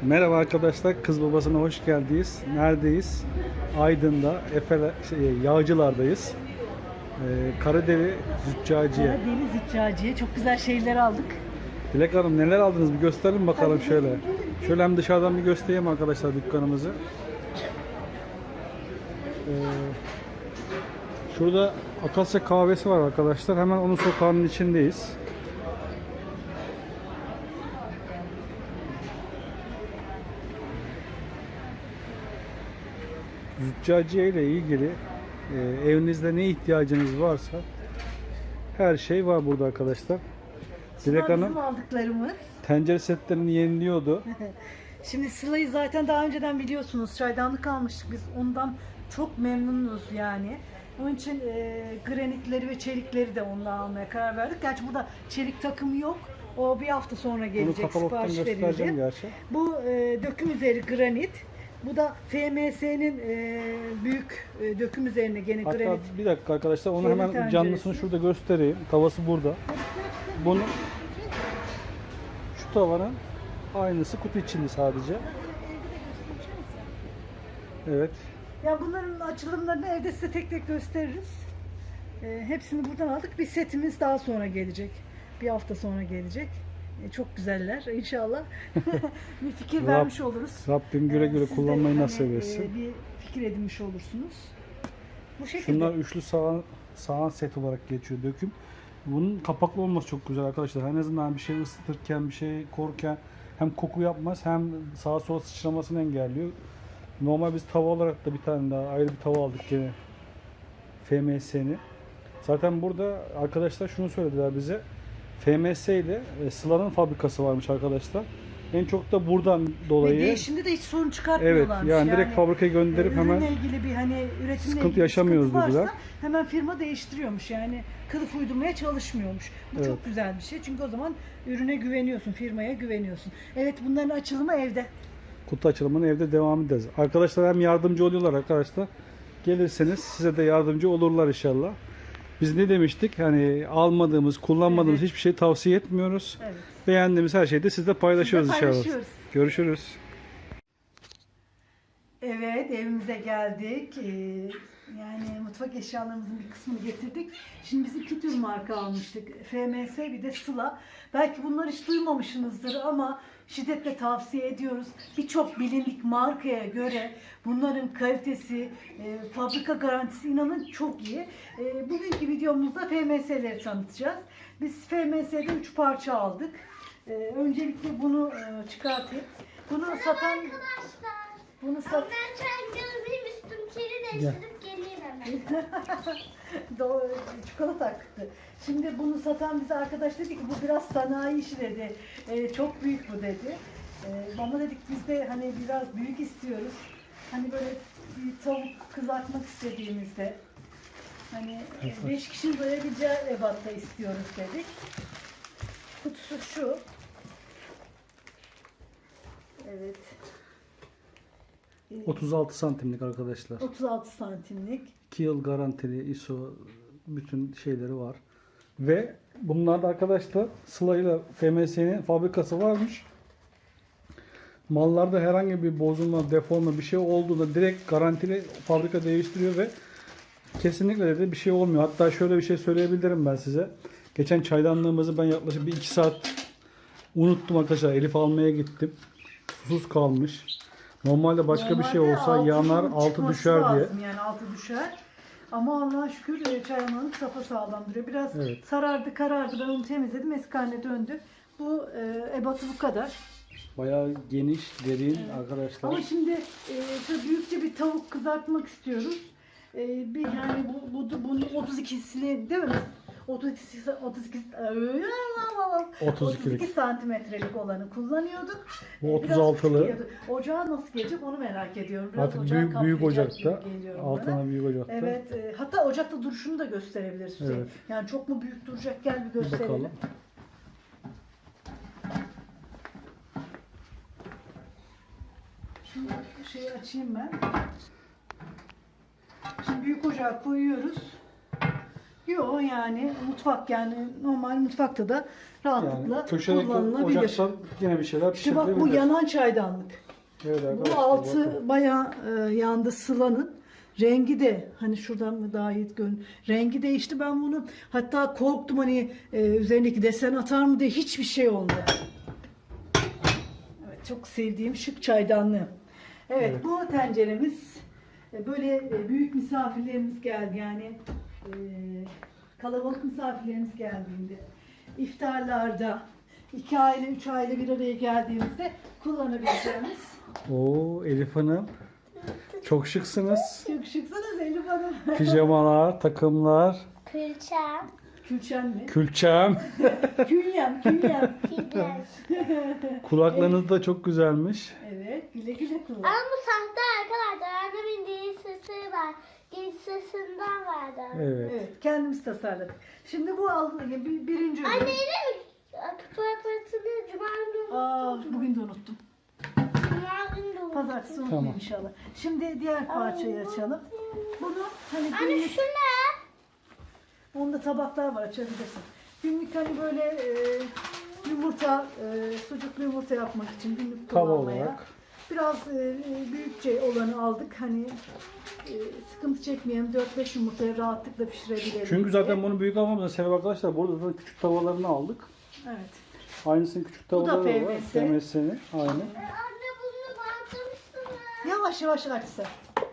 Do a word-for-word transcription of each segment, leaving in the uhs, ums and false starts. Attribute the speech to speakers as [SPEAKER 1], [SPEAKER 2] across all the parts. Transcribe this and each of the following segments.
[SPEAKER 1] Merhaba arkadaşlar, Kız Babası'na hoş geldiniz. Neredeyiz? Aydın'da, Efe, şey, Yağcılar'dayız. Ee, Karaderi Züccaciye.
[SPEAKER 2] Karadeniz Züccaciye. Çok güzel şeyler aldık.
[SPEAKER 1] Dilek Hanım neler aldınız bir gösterelim bakalım şöyle. Şöyle hem dışarıdan bir göstereyim arkadaşlar dükkanımızı. Ee, şurada Akasya kahvesi var arkadaşlar. Hemen onun sokağının içindeyiz. Züccaciye ile ilgili e, evinizde ne ihtiyacınız varsa her şey var burada arkadaşlar. Dilek
[SPEAKER 2] Bunlar
[SPEAKER 1] Hanım
[SPEAKER 2] bizim aldıklarımız.
[SPEAKER 1] tencere setlerini yeniliyordu.
[SPEAKER 2] Şimdi Sıla'yı zaten daha önceden biliyorsunuz. Çaydanlık almıştık biz. Ondan çok memnunuz yani. Onun için e, granitleri ve çelikleri de ondan almaya karar verdik. Gerçi burada çelik takımı yok. O bir hafta sonra
[SPEAKER 1] Bunu
[SPEAKER 2] gelecek,
[SPEAKER 1] katalogdan
[SPEAKER 2] sipariş
[SPEAKER 1] göstereceğim
[SPEAKER 2] verildi.
[SPEAKER 1] gerçi.
[SPEAKER 2] Bu e, döküm üzeri granit. Bu da F M S'nin e, büyük e, döküm üzerine gene
[SPEAKER 1] Hatta
[SPEAKER 2] granit.
[SPEAKER 1] bir dakika arkadaşlar onu
[SPEAKER 2] Çelik
[SPEAKER 1] hemen
[SPEAKER 2] tenceresi.
[SPEAKER 1] canlısını şurada göstereyim. Tavası burada. Bunu şu tavanın aynısı kutu içinde sadece. Evet.
[SPEAKER 2] Ya bunların açılımlarını evde size tek tek gösteririz. E, hepsini buradan aldık. Bir setimiz daha sonra gelecek. Bir hafta sonra gelecek. E, çok güzeller inşallah. bir fikir
[SPEAKER 1] Rab-
[SPEAKER 2] vermiş oluruz.
[SPEAKER 1] Rabbim güle güle
[SPEAKER 2] Siz de
[SPEAKER 1] kullanmayı
[SPEAKER 2] hani,
[SPEAKER 1] nasip etsin.
[SPEAKER 2] e, bir fikir edinmiş olursunuz. Bu şekilde.
[SPEAKER 1] Şunlar üçlü sahan, sahan set olarak geçiyor döküm. Bunun kapaklı olması çok güzel arkadaşlar. En azından bir şey ısıtırken, bir şey korurken hem koku yapmaz hem sağa sola sıçramasını engelliyor. Normal biz tava olarak da bir tane daha ayrı bir tava aldık gene. F M S'ni. Zaten burada arkadaşlar şunu söylediler bize. F M S ile e, Sıla'nın fabrikası varmış arkadaşlar. En çok da buradan
[SPEAKER 2] Ve
[SPEAKER 1] dolayı
[SPEAKER 2] değişimde de hiç sorun
[SPEAKER 1] evet
[SPEAKER 2] çıkartmıyorlarmış.
[SPEAKER 1] yani direkt fabrikaya gönderip
[SPEAKER 2] ürünle
[SPEAKER 1] hemen
[SPEAKER 2] ilgili bir hani üretimle
[SPEAKER 1] sıkıntı
[SPEAKER 2] ilgili
[SPEAKER 1] yaşamıyoruz
[SPEAKER 2] sıkıntı varsa
[SPEAKER 1] dediler.
[SPEAKER 2] hemen firma değiştiriyormuş. Yani kılıf uydurmaya çalışmıyormuş. Bu
[SPEAKER 1] Evet.
[SPEAKER 2] çok güzel bir şey. Çünkü o zaman ürüne güveniyorsun, firmaya güveniyorsun. Evet, bunların açılımı evde.
[SPEAKER 1] kutu açılımını evde devam edeceğiz. Arkadaşlar hem yardımcı oluyorlar arkadaşlar. Gelirseniz size de yardımcı olurlar inşallah. Biz ne demiştik? Hani almadığımız, kullanmadığımız
[SPEAKER 2] Evet.
[SPEAKER 1] hiçbir şey tavsiye etmiyoruz.
[SPEAKER 2] Evet.
[SPEAKER 1] Beğendiğimiz her şeyi de sizle paylaşıyoruz
[SPEAKER 2] Sizle
[SPEAKER 1] inşallah.
[SPEAKER 2] paylaşıyoruz.
[SPEAKER 1] Görüşürüz.
[SPEAKER 2] Evet, evimize geldik. Ee, yani mutfak eşyalarımızın bir kısmını getirdik. Şimdi biz iki tür marka almıştık. F M S bir de Sıla. Belki bunları hiç duymamışsınızdır ama şiddetle tavsiye ediyoruz. Birçok bilindik markaya göre bunların kalitesi, e, fabrika garantisi inanın çok iyi. E, bugünkü videomuzda F M S'leri tanıtacağız. Biz F M S'de üç parça aldık. E, öncelikle bunu e, çıkartayım. Bunu satan... Bunu sat...
[SPEAKER 3] Ben çay gözlüğüm üstüm kiri değiştirip geleyim hemen.
[SPEAKER 2] Doğru, çikolata akıttı. Şimdi bunu satan bize arkadaş dedi ki bu biraz sanayi işi dedi. Ee, çok büyük bu dedi. Ee, bana dedik biz de hani biraz büyük istiyoruz. Hani böyle bir tavuk kızartmak istediğimizde hani e, beş kişinin doyabileceği ebatta istiyoruz dedik. Kutusu şu. Evet.
[SPEAKER 1] otuz altı santimlik arkadaşlar.
[SPEAKER 2] otuz altı santimlik.
[SPEAKER 1] iki yıl garantili I S O bütün şeyleri var. Ve bunlarda arkadaşlar Sıla ile F M S'nin fabrikası varmış. Mallarda herhangi bir bozulma, deforma bir şey olduğunda direkt garantili fabrika değiştiriyor ve kesinlikle de bir şey olmuyor. Hatta şöyle bir şey söyleyebilirim ben size. Geçen çaydanlığımızı ben yaklaşık bir iki saat unuttum arkadaşlar. Elif almaya gittim. Susuz kalmış. Normalde başka bir şey
[SPEAKER 2] Normalde
[SPEAKER 1] olsa
[SPEAKER 2] altının
[SPEAKER 1] yanar, altı
[SPEAKER 2] çıkması
[SPEAKER 1] düşer diye.
[SPEAKER 2] lazım, yani altı düşer. Ama Allah'a şükür e, çaymanlık sapasağlam duruyor. Biraz
[SPEAKER 1] Evet.
[SPEAKER 2] sarardı, karardı. Ben onu temizledim. Eski haline döndü. Bu e, ebatı bu kadar.
[SPEAKER 1] Bayağı geniş, derin arkadaşlar.
[SPEAKER 2] Ama şimdi e, şöyle büyükçe bir tavuk kızartmak istiyoruz. E, bir yani bu, bu bunun otuz ikisini değil mi? otuz iki, otuz iki,
[SPEAKER 1] otuz ikilik.
[SPEAKER 2] otuz iki santimetrelik olanı kullanıyorduk.
[SPEAKER 1] Bu
[SPEAKER 2] E, biraz
[SPEAKER 1] otuz altılı.
[SPEAKER 2] küçük geliyordu. Ocağa nasıl gelecek onu merak ediyorum. Biraz
[SPEAKER 1] Artık
[SPEAKER 2] ocağı
[SPEAKER 1] büyük büyük
[SPEAKER 2] kaplayacak
[SPEAKER 1] ocakta.
[SPEAKER 2] gibi geliyor bana.
[SPEAKER 1] Altına büyük ocakta.
[SPEAKER 2] Evet. E, hatta ocakta duruşunu da gösterebiliriz Hüseyin.
[SPEAKER 1] Evet.
[SPEAKER 2] Yani çok mu büyük duracak, gel bir
[SPEAKER 1] Bir
[SPEAKER 2] gösterelim.
[SPEAKER 1] bakalım.
[SPEAKER 2] Şimdi şeyi açayım ben. Şimdi büyük ocağa koyuyoruz. Yok yani mutfak yani normal mutfakta da rahatlıkla
[SPEAKER 1] Yani köşedeki
[SPEAKER 2] kullanılabilir.
[SPEAKER 1] ocaktan yine bir şeyler
[SPEAKER 2] İşte bak bu
[SPEAKER 1] pişirilebilir.
[SPEAKER 2] yanan çaydanlık.
[SPEAKER 1] Evet
[SPEAKER 2] Bu
[SPEAKER 1] arkadaşlar,
[SPEAKER 2] altı
[SPEAKER 1] bakın.
[SPEAKER 2] bayağı e, yandı Sıla'nın. Rengi de hani şuradan mı daha iyi gön. Rengi değişti. Ben bunu hatta korktum hani e, üzerindeki desen atar mı diye, hiçbir şey olmadı. Evet, çok sevdiğim şık çaydanlığı. Evet,
[SPEAKER 1] Evet.
[SPEAKER 2] bu tenceremiz e, böyle e, büyük misafirlerimiz geldi yani e, kalabalık misafirlerimiz geldiğinde, iftarlarda, iki aile üç aile bir araya geldiğimizde kullanabileceğimiz.
[SPEAKER 1] Oo Elif Hanım. Çok şıksınız.
[SPEAKER 2] Çok şıksınız Elif Hanım.
[SPEAKER 1] Pijamalar, takımlar,
[SPEAKER 3] Külçem.
[SPEAKER 2] Külçen mi?
[SPEAKER 1] külçem.
[SPEAKER 2] Künyem, künyem.
[SPEAKER 3] Pidez.
[SPEAKER 1] Kulaklarınız da çok güzelmiş.
[SPEAKER 2] Evet, güle güle kullan.
[SPEAKER 3] Ama bu sahte arkadaşlar. Annemin değil sesi var. Genç sesinden vardı.
[SPEAKER 1] Evet.
[SPEAKER 2] Evet, kendimiz tasarladık. Şimdi bu al, bir, birinci ürün.
[SPEAKER 3] Anne yine mi? Kutu aparatını cuma günü
[SPEAKER 2] Aa,
[SPEAKER 3] unuttum.
[SPEAKER 2] bugün de unuttum.
[SPEAKER 3] Cuma günü de unuttum.
[SPEAKER 2] Pazartesi unutmayayım
[SPEAKER 1] Tamam.
[SPEAKER 2] inşallah. Şimdi diğer parçayı açalım. Bunu hani
[SPEAKER 3] Anne
[SPEAKER 2] günlük,
[SPEAKER 3] şu ne?
[SPEAKER 2] onda tabaklar var, açabilirsin. Günlük hani böyle e, yumurta, e, sucuklu yumurta yapmak için günlük
[SPEAKER 1] Tava
[SPEAKER 2] kullanmaya.
[SPEAKER 1] olarak.
[SPEAKER 2] Biraz e, büyükçe olanı aldık. Hani e, sıkıntı çekmeyelim. dört beş yumurtayı rahatlıkla pişirebilelim.
[SPEAKER 1] Çünkü
[SPEAKER 2] diye.
[SPEAKER 1] zaten bunu büyük almamızın sebebi arkadaşlar, burada da küçük tavalarını aldık.
[SPEAKER 2] Evet.
[SPEAKER 1] Aynısının küçük
[SPEAKER 2] Bu da
[SPEAKER 1] tavaları
[SPEAKER 2] F
[SPEAKER 1] var.
[SPEAKER 2] M S.
[SPEAKER 1] F M S'ni. Aynı.
[SPEAKER 3] E, Anne bunu bantlamışsın.
[SPEAKER 2] Yavaş yavaş açsa.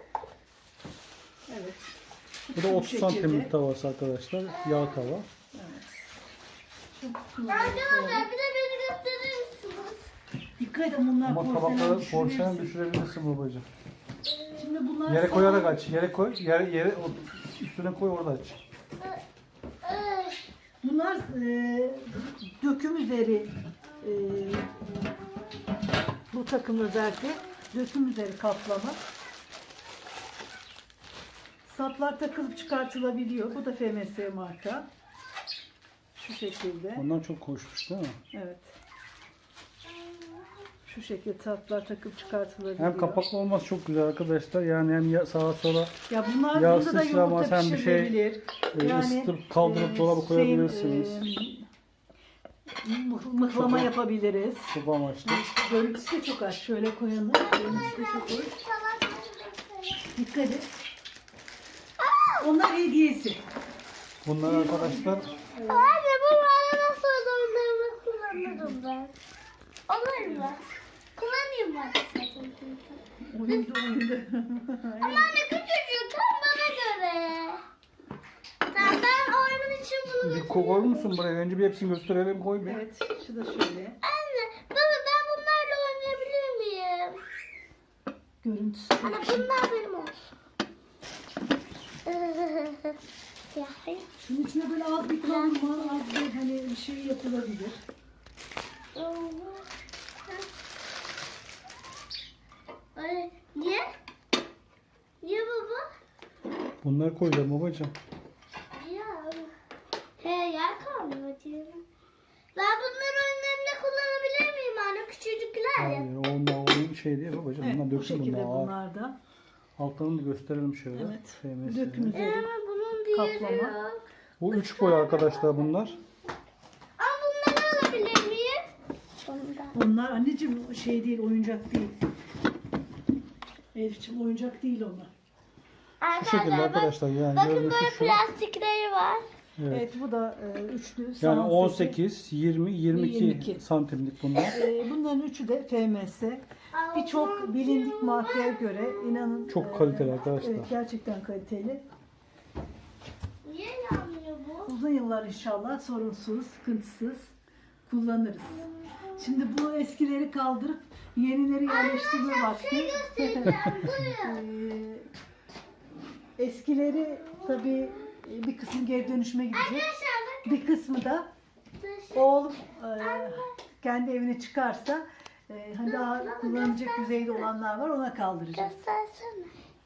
[SPEAKER 2] Evet.
[SPEAKER 1] Bu da
[SPEAKER 2] Bu
[SPEAKER 1] otuz
[SPEAKER 2] şekilde.
[SPEAKER 1] santimlik tavası arkadaşlar. Yağ tava.
[SPEAKER 2] Şu kutuları
[SPEAKER 3] Arkadaşlar
[SPEAKER 2] koyalım.
[SPEAKER 3] bir de beni gösterir misiniz?
[SPEAKER 2] Dikkat edin, bunlar
[SPEAKER 1] Ama
[SPEAKER 2] porselen
[SPEAKER 1] tabakları
[SPEAKER 2] düşürürsün.
[SPEAKER 1] porselen düşürebilirsin babacığım.
[SPEAKER 2] Şimdi bunlar
[SPEAKER 1] Yere
[SPEAKER 2] sana-
[SPEAKER 1] koyarak aç. Yere koy. Yere, yere üstüne koy, orada aç.
[SPEAKER 3] Ee,
[SPEAKER 2] Bunlar e, döküm üzeri e, bu takım özellikle döküm üzeri kaplama. Saplar takılıp çıkartılabiliyor. Bu da F M S marka. Şu şekilde.
[SPEAKER 1] Ondan çok hoşmuş değil mi?
[SPEAKER 2] Evet. Şu şekilde saplar takıp çıkartılabiliyor.
[SPEAKER 1] Hem kapaklı olması çok güzel arkadaşlar. Yani hem ya- sağa sola
[SPEAKER 2] Ya bunlar
[SPEAKER 1] yağ
[SPEAKER 2] burada da
[SPEAKER 1] sıçramaz,
[SPEAKER 2] yumurta
[SPEAKER 1] hem bir şey,
[SPEAKER 2] pişirilebilir.
[SPEAKER 1] e, ısıtıp kaldırıp dolaba koyabilirsiniz.
[SPEAKER 2] e, mıh- mıhlama
[SPEAKER 1] Çok-
[SPEAKER 2] yapabiliriz.
[SPEAKER 1] Çok amaçlı.
[SPEAKER 2] Görüntüsü de çok az. Şöyle koyalım. Görüntüsü de çok hoş. Dikkat et. Onlar hediyesi.
[SPEAKER 1] Bunlar arkadaşlar
[SPEAKER 3] Anne bu bana nasıl onlarını kullanırım ben. Olur mu? Kullanayım ben.
[SPEAKER 2] Oyunda oyunda.
[SPEAKER 3] Ama anne küçücük tam bana göre. Tamam ben oyunun için bunu
[SPEAKER 1] bir koyar musun buraya? Önce bir hepsini gösterelim, koy bir.
[SPEAKER 2] Evet. Şu da şöyle.
[SPEAKER 3] Anne baba ben bunlarla oynayabilir miyim?
[SPEAKER 2] Görüntüsü.
[SPEAKER 3] Anne bunlar benim olsun. Ya hayır.
[SPEAKER 2] Şunun içine böyle az bir kavurma, az bir hani bir şey yapılabilir.
[SPEAKER 3] Ay, niye? Niye baba?
[SPEAKER 1] Bunları koyacağım babacığım.
[SPEAKER 3] Ya. He yer kalmıyor diyorum. Ben bunları oyunlarımda kullanabilir miyim anne? Küçücükler ya.
[SPEAKER 1] Hayır, onlar oyun şey değil babacığım.
[SPEAKER 2] Evet,
[SPEAKER 1] Bunlar
[SPEAKER 2] bu
[SPEAKER 1] döküm,
[SPEAKER 2] şekilde
[SPEAKER 1] bunlar ağır.
[SPEAKER 2] bunlar da.
[SPEAKER 1] Altlarını da gösterelim şöyle.
[SPEAKER 2] Evet.
[SPEAKER 1] F M S'ni.
[SPEAKER 2] Döküm üzeri.
[SPEAKER 3] Ama bunun diğeri
[SPEAKER 2] Kaplama.
[SPEAKER 3] yok.
[SPEAKER 1] Bu üç boy arkadaşlar bunlar.
[SPEAKER 3] Ama bunları alabilir miyim? Bundan.
[SPEAKER 2] Bunlar anneciğim şey değil, oyuncak değil. Elif'ciğim oyuncak değil onlar.
[SPEAKER 1] Bu şekilde
[SPEAKER 3] bak-
[SPEAKER 1] arkadaşlar, yani
[SPEAKER 3] Bakın
[SPEAKER 1] görünüşü
[SPEAKER 3] böyle
[SPEAKER 1] şu.
[SPEAKER 3] plastikleri var.
[SPEAKER 1] Evet.
[SPEAKER 2] Evet, bu da e, üçlü.
[SPEAKER 1] Yani
[SPEAKER 2] sağ
[SPEAKER 1] on
[SPEAKER 2] seti.
[SPEAKER 1] sekiz, yirmi, yirmi iki
[SPEAKER 2] yirmi iki.
[SPEAKER 1] santimlik bunlar.
[SPEAKER 2] E, bunların üçü de F M S. Birçok bilindik markaya göre inanın
[SPEAKER 1] Çok
[SPEAKER 2] e,
[SPEAKER 1] kaliteli arkadaşlar.
[SPEAKER 2] Evet, gerçekten kaliteli.
[SPEAKER 3] Niye yanmıyor bu?
[SPEAKER 2] Uzun yıllar inşallah sorunsuz, sıkıntısız kullanırız. Şimdi bu eskileri kaldırıp yenileri yerleştirme vakti.
[SPEAKER 3] Göstereceğim. Buyurun.
[SPEAKER 2] Ee, eskileri tabii bir kısmı geri dönüşüme gidecek.
[SPEAKER 3] Arkadaşlar
[SPEAKER 2] Bir kısmı da oğlum e, kendi evine çıkarsa e, hani daha kullanılacak düzeyde olanlar var, ona kaldıracağız.
[SPEAKER 3] göstersene.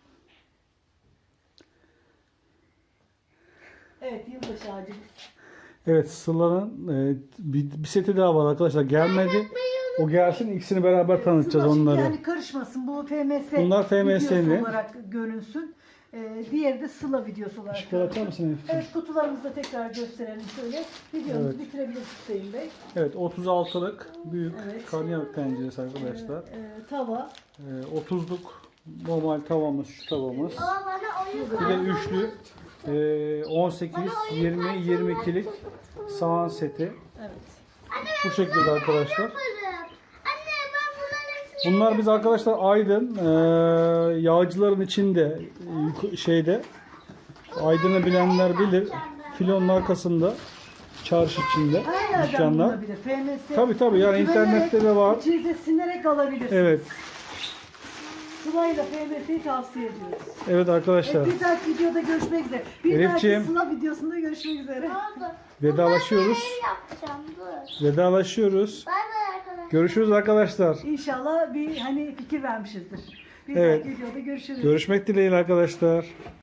[SPEAKER 2] Evet, yılbaşı ağacımız.
[SPEAKER 1] Evet, Sıla'nın e, bir, bir seti daha var arkadaşlar. Gelmedi. O gelsin, ikisini beraber tanıtacağız
[SPEAKER 2] Sıla,
[SPEAKER 1] onları.
[SPEAKER 2] Yani karışmasın, bu F M S
[SPEAKER 1] Bunlar F M S'li.
[SPEAKER 2] videosu olarak görünsün. Ee, diğeri de Sıla videosu olarak.
[SPEAKER 1] Işıkları açar mısın Elif'ciğim?
[SPEAKER 2] Evet, kutularımızı da tekrar gösterelim şöyle. Videomuzu
[SPEAKER 1] Evet.
[SPEAKER 2] bitirebiliriz Hüseyin Bey.
[SPEAKER 1] Evet, otuz altılık büyük
[SPEAKER 2] Evet.
[SPEAKER 1] karnıyarık tenceresi arkadaşlar.
[SPEAKER 2] Ee, tava.
[SPEAKER 1] Ee, otuzluk normal tavamız, şu tavamız.
[SPEAKER 3] Baba bana oyun
[SPEAKER 1] Bir de
[SPEAKER 3] kartı.
[SPEAKER 1] üçlü ee, on sekiz, yirmi, yirmi ikilik sahan seti.
[SPEAKER 2] Evet.
[SPEAKER 3] Anne
[SPEAKER 1] Bu
[SPEAKER 3] ben
[SPEAKER 1] şekilde
[SPEAKER 3] bunlarla
[SPEAKER 1] arkadaşlar.
[SPEAKER 3] yaparım. Anne ben bunların hepsini
[SPEAKER 1] Bunlar biz arkadaşlar Aydın ee, yağcıların içinde ee, yuk- şeyde Aydın'ı bilenler bilir. Filonun arkasında çarşı içinde
[SPEAKER 2] Her yerden
[SPEAKER 1] dükkanlar.
[SPEAKER 2] bulunabilir. F M S.
[SPEAKER 1] Tabii, tabii, yani
[SPEAKER 2] güvenerek,
[SPEAKER 1] internette de var.
[SPEAKER 2] İçinize sinerek alabilirsiniz.
[SPEAKER 1] Evet.
[SPEAKER 2] Sıla'yla F M S'yi tavsiye ediyoruz.
[SPEAKER 1] Evet arkadaşlar.
[SPEAKER 2] Evet, bir dahaki videoda görüşmek üzere. Bir
[SPEAKER 1] Elifciğim.
[SPEAKER 2] dahaki Sıla videosunda görüşmek üzere.
[SPEAKER 3] oldu.
[SPEAKER 1] Vedalaşıyoruz.
[SPEAKER 3] Bunlarla ev yapacağım dur.
[SPEAKER 1] Vedalaşıyoruz.
[SPEAKER 3] Bay bay arkadaşlar.
[SPEAKER 1] Görüşürüz arkadaşlar.
[SPEAKER 2] İnşallah bir hani fikir vermişizdir. Bir
[SPEAKER 1] Evet.
[SPEAKER 2] dahaki videoda görüşürüz.
[SPEAKER 1] Görüşmek dileğiyle arkadaşlar.